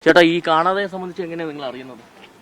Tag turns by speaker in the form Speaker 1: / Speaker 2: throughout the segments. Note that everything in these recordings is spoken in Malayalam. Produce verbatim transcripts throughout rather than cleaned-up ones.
Speaker 1: ചേട്ടാ, ഈ കാണാതെ സംബന്ധിച്ച് എങ്ങനെയാണ് നിങ്ങൾ അറിയുന്നത്?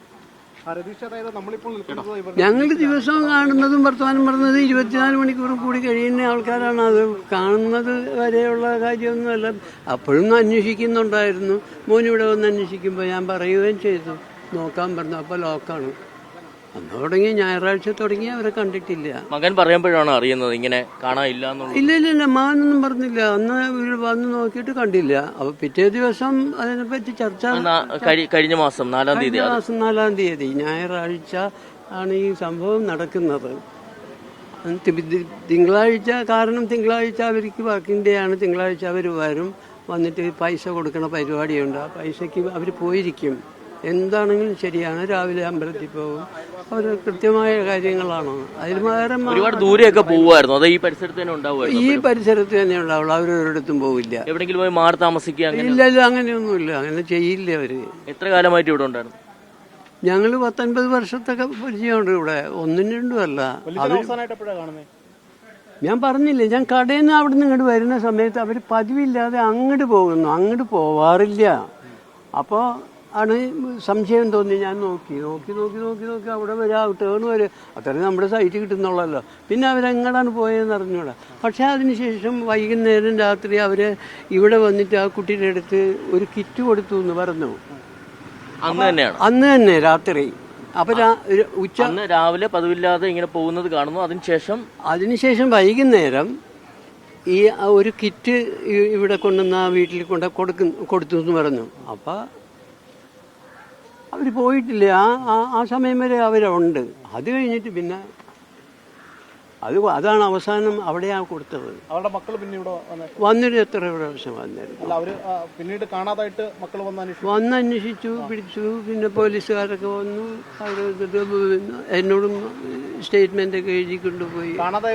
Speaker 2: ഞങ്ങൾ ദിവസവും കാണുന്നതും വർത്തമാനം പറഞ്ഞത് ഇരുപത്തിനാല് മണിക്കൂർ കൂടി കഴിയുന്ന ആൾക്കാരാണ്. അത് കാണുന്നത് വരെയുള്ള കാര്യമൊന്നുമല്ല. അപ്പോഴും അന്വേഷിക്കുന്നുണ്ടായിരുന്നു. മോനിവിടെ വന്ന് അന്വേഷിക്കുമ്പോൾ ഞാൻ പറയുകയും ചെയ്തു, നോക്കാൻ പറഞ്ഞു. അപ്പോൾ ലോക്കാണ്. അന്ന് തുടങ്ങി, ഞായറാഴ്ച തുടങ്ങി അവരെ കണ്ടിട്ടില്ല.
Speaker 1: മകൻ പറയുമ്പോഴാണ് അറിയുന്നത് ഇങ്ങനെ കാണാനില്ല?
Speaker 2: ഇല്ല ഇല്ല ഇല്ല മകനൊന്നും പറഞ്ഞില്ല. അന്ന് ഇവർ വന്ന് നോക്കിയിട്ട് കണ്ടില്ല. അപ്പൊ പിറ്റേ ദിവസം അതിനെപ്പറ്റി ചർച്ച
Speaker 1: കഴിഞ്ഞ മാസം നാലാം തീയതി
Speaker 2: മാസം നാലാം തീയതി ഞായറാഴ്ച ആണ് ഈ സംഭവം നടക്കുന്നത്. തിങ്കളാഴ്ച, കാരണം തിങ്കളാഴ്ച അവർക്ക് വർക്കിംഗ് ഡേ ആണ്. തിങ്കളാഴ്ച അവർ വരും, വന്നിട്ട് പൈസ കൊടുക്കുന്ന പരിപാടിയുണ്ട്. ആ പൈസക്ക് അവർ പോയിരിക്കും. എന്താണെങ്കിലും ശരിയാണ്. രാവിലെ അമ്പലത്തിൽ പോകും. അവർ കൃത്യമായ കാര്യങ്ങളാണ്. അതിൽ വേറെ
Speaker 1: ഒരുപാട് ദൂരെയൊക്കെ പോകുമായിരുന്നു. അതോ ഈ പരിസരത്ത് തന്നെ ഉണ്ടാവുമായിരുന്നു?
Speaker 2: ഈ പരിസരത്ത് തന്നെ ഉണ്ടാവുള്ളൂ. അവരൊരിടത്തും പോവില്ല.
Speaker 1: എവിടെയെങ്കിലും പോയി മാറി താമസിക്കുക?
Speaker 2: ഇല്ല ഇല്ല, അങ്ങനെയൊന്നുമില്ല. അങ്ങനെ ചെയ്യില്ല അവര്.
Speaker 1: എത്ര കാലമായിട്ട് ഇവിടെ ഉണ്ടായിരുന്നു?
Speaker 2: ഞങ്ങൾ പത്തൊൻപത് വർഷത്തൊക്കെ പരിചയമുണ്ട് ഇവിടെ. ഒന്നും രണ്ടും അല്ല. ഞാൻ പറഞ്ഞില്ലേ, ഞാൻ കടയിൽ നിന്ന് അവിടെ നിന്ന് ഇങ്ങോട്ട് വരുന്ന സമയത്ത് അവർ പതിവില്ലാതെ അങ്ങോട്ട് പോകുന്നു. അങ്ങോട്ട് പോവാറില്ല. അപ്പോൾ ആണ് സംശയം തോന്നി. ഞാൻ നോക്കി നോക്കി നോക്കി നോക്കി നോക്കി അവിടെ വരെ ടേൺ വരെ അത്രയും നമ്മുടെ സൈറ്റ് കിട്ടുന്നുള്ളല്ലോ. പിന്നെ അവരെങ്ങടാണ് പോയതെന്ന് അറിഞ്ഞൂടാ. പക്ഷേ അതിനുശേഷം വൈകുന്നേരം രാത്രി അവർ ഇവിടെ വന്നിട്ട് ആ കുട്ടിയുടെ അടുത്ത് ഒരു കിറ്റ് കൊടുത്തു എന്ന് പറഞ്ഞു.
Speaker 1: അന്ന് തന്നെയാണ്?
Speaker 2: അന്ന് തന്നെ രാത്രി. അപ്പൊ ഉച്ച
Speaker 1: രാവിലെ പതിവില്ലാതെ ഇങ്ങനെ പോകുന്നത് കാണുന്നു. അതിനുശേഷം
Speaker 2: അതിനുശേഷം വൈകുന്നേരം ഈ ഒരു കിറ്റ് ഇവിടെ കൊണ്ടുവന്ന് ആ വീട്ടിൽ കൊണ്ട് കൊടുക്കും കൊടുത്തു എന്ന് പറഞ്ഞു. അപ്പം അവർ പോയിട്ടില്ല. ആ ആ സമയം വരെ അവരുണ്ട്. അത് കഴിഞ്ഞിട്ട് പിന്നെ അത് അതാണ് അവസാനം അവിടെയാണ് കൊടുത്തത്.
Speaker 3: അവരുടെ മക്കൾ പിന്നെ ഇവിടെ
Speaker 2: വന്നിട്ട് എത്ര പ്രാവശ്യം വന്നിരുന്നു.
Speaker 3: അവര് പിന്നീട് കാണാതായിട്ട് മക്കൾ
Speaker 2: വന്ന് അന്വേഷിച്ചു, പിടിച്ചു. പിന്നെ പോലീസുകാരൊക്കെ വന്നു. അവർ എന്നോടും സ്റ്റേറ്റ്മെന്റ് ഒക്കെ എഴുതി കൊണ്ടുപോയി.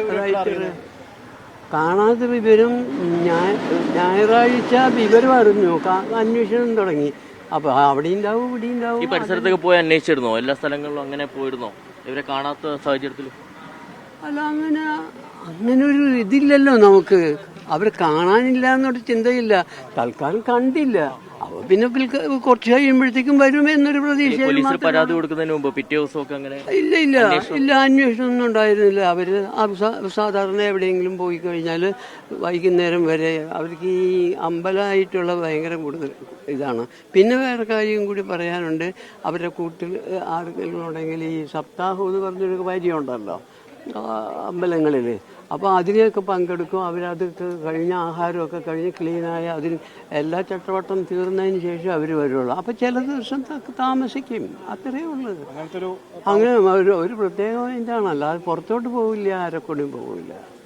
Speaker 2: കാണാതെ വിവരം ഞായറാഴ്ച വിവരം അറിഞ്ഞു. അന്വേഷണം തുടങ്ങി. അപ്പൊ അവിടെ ഉണ്ടാവും, ഇവിടെ ഉണ്ടാവും.
Speaker 1: ഈ പരിസരത്തൊക്കെ പോയി അന്വേഷിച്ചിരുന്നോ? എല്ലാ സ്ഥലങ്ങളിലും അങ്ങനെ പോയിരുന്നോ ഇവരെ കാണാത്ത സാഹചര്യത്തിൽ?
Speaker 2: അല്ല, അങ്ങനെ അങ്ങനെ ഒരു ഇതില്ലല്ലോ നമുക്ക്. അവരെ കാണാനില്ല എന്നൊരു ചിന്തയില്ല. തൽക്കാലം കണ്ടില്ല. അപ്പൊ പിന്നെ കുറച്ച് കഴിയുമ്പോഴത്തേക്കും വരും എന്നൊരു പ്രതീക്ഷ.
Speaker 1: പരാതി കൊടുക്കുന്നതിന് മുമ്പ് പിറ്റേ ദിവസമൊക്കെ അങ്ങനെ
Speaker 2: ഇല്ല ഇല്ല ഇല്ല അന്വേഷണം ഒന്നും ഉണ്ടായിരുന്നില്ല. അവര് സാധാരണ എവിടെയെങ്കിലും പോയി കഴിഞ്ഞാൽ വൈകുന്നേരം വരെ അവർക്ക് ഈ അമ്പലമായിട്ടുള്ള ഭയങ്കര കൂടുതൽ ഇതാണ്. പിന്നെ വേറെ കാര്യം കൂടി പറയാനുണ്ട്. അവരുടെ കൂട്ടിൽ ആർക്കെങ്കിലും ഉണ്ടെങ്കിൽ ഈ സപ്താഹം എന്ന് പറഞ്ഞൊരു കാര്യമുണ്ടല്ലോ അമ്പലങ്ങളിൽ. അപ്പോൾ അതിനെയൊക്കെ പങ്കെടുക്കും. അവരതൊക്കെ കഴിഞ്ഞ ആഹാരമൊക്കെ കഴിഞ്ഞ് ക്ലീനായ അതിന് എല്ലാ ചട്ടവട്ടം തീർന്നതിന് ശേഷം അവർ വരുള്ളൂ. അപ്പോൾ ചില ദിവസം താമസിക്കും. അത്രയേ ഉള്ളൂ. അങ്ങനെ ഒരു ഒരു പ്രത്യേകം ഇതാണ്. അല്ലാതെ പുറത്തോട്ട് പോവില്ല, ആരെക്കൊണ്ടും പോവില്ല.